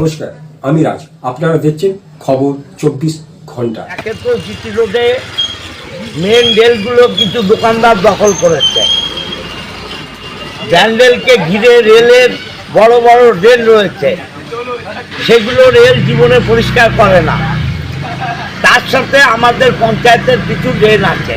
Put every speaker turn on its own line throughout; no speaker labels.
নমস্কার, আমি রাজ। আপনারা দেখছেন খবর 24 ঘন্টা।
একে তো জিটি রোডে মেন রেলগুলো কিছু দোকানদার দখল করেছে। ব্যান্ডেলকে ঘিরে রেলের বড় বড় ড্রেন রয়েছে, সেগুলো রেল জীবনে পরিষ্কার করে না। তার সাথে আমাদের পঞ্চায়েতের কিছু ড্রেন আছে।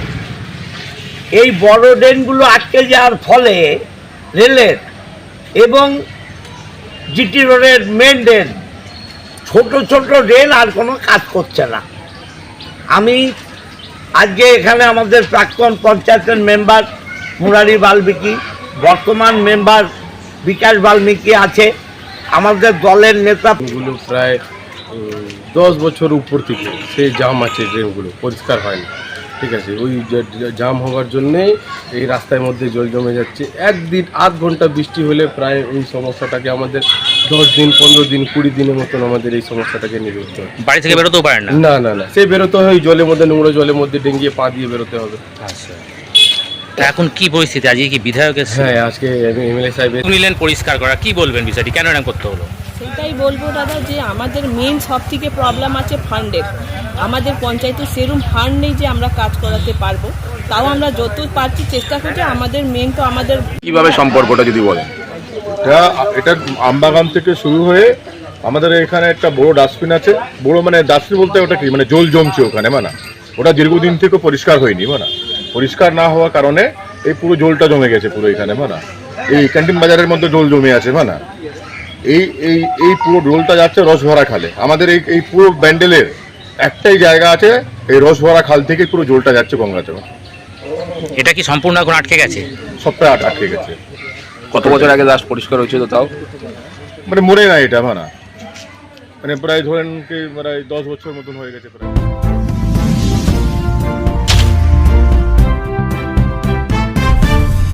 এই বড় ড্রেনগুলো আটকে যাওয়ার ফলে রেলের এবং জিটি রোডের মেন ড্রেন, ছোট ছোট ড্রেন আর কোনো কাজ করছে না। আমি আজকে এখানে আমাদের প্রাক্তন পঞ্চায়েতের মেম্বার মুরারি বাল্মীকি, বর্তমান মেম্বার বিকাশ বাল্মীকি আছে, আমাদের দলের নেতা।
গুলো প্রায় 10 বছর উপর থেকে সেই জাম আছে, ড্রেনগুলো পরিষ্কার হয় না। ঠিক আছে, ওই জাম হওয়ার জন্যে এই রাস্তার মধ্যে জল জমে যাচ্ছে। একদিন আধ ঘন্টা বৃষ্টি হলে প্রায় ওই সমস্যাটাকে আমাদের 10 দিন 15 দিন 20 দিনের মতন আমাদের এই সমস্যাটাকে নিয়ে যেতে হবে।
বাড়ি থেকে বেরোতেও পারেন না?
না না না, সে বেরোতে হয় জলের মধ্যে, নোংরা জলের মধ্যে ডেঙ্গিয়ে পা দিয়ে বেরোতে হবে।
আচ্ছা, এখন কি পরিস্থিতি? আজকে কি বিধায়ক এসেছে?
হ্যাঁ, আজকে এমএলএ সাহেব
নিলেন পরিষ্কার করা, কি বলবেন বিষয়টি, কেন এরকম করতে হলো?
সেটাই বলবো দাদা, যে আমাদের মেন সব থেকে প্রবলেম আছে ফান্ডের। আমাদের পঞ্চায়েতে সেরকম ফান্ড নেই যে আমরা কাজ করাতে পারবো। তাও আমরা যত পারছি চেষ্টা করছি। আমাদের মেন তো আমাদের
কিভাবে সম্পর্কটা যদি বলেন।
এটা আমবাগান থেকে শুরু হয়ে আমাদের এখানে একটা বড় ডাস্টবিন আছে। বড় মানে ডাস্টবিন বলতে ওটা কি, মানে জল জমছে ওখানে, মানে ওটা দীর্ঘদিন থেকে পরিষ্কার হয়নি। মানে পরিষ্কার না হওয়ার কারণে এই পুরো জলটা জমে গেছে পুরো এখানে। মানে এই ক্যান্টিন বাজারের মধ্যে জল জমে আছে। মানে এই এই এই পুরো জলটা যাচ্ছে রসভরা খালে। আমাদের এই পুরো ব্যান্ডেলের একটাই জায়গা আছে, এই রসভরা খাল থেকে পুরো জলটা যাচ্ছে গঙ্গাচড়া।
এটা কি সম্পূর্ণ এখন আটকে গেছে?
সবটাই আটকে গেছে।
কত বছর আগে লাস্ট পরিষ্কার হয়েছিল তাও?
মানে মরে না এটা, মানে প্রায় ধরেন কি প্রায় 10 বছর মতন হয়ে গেছে প্রায়।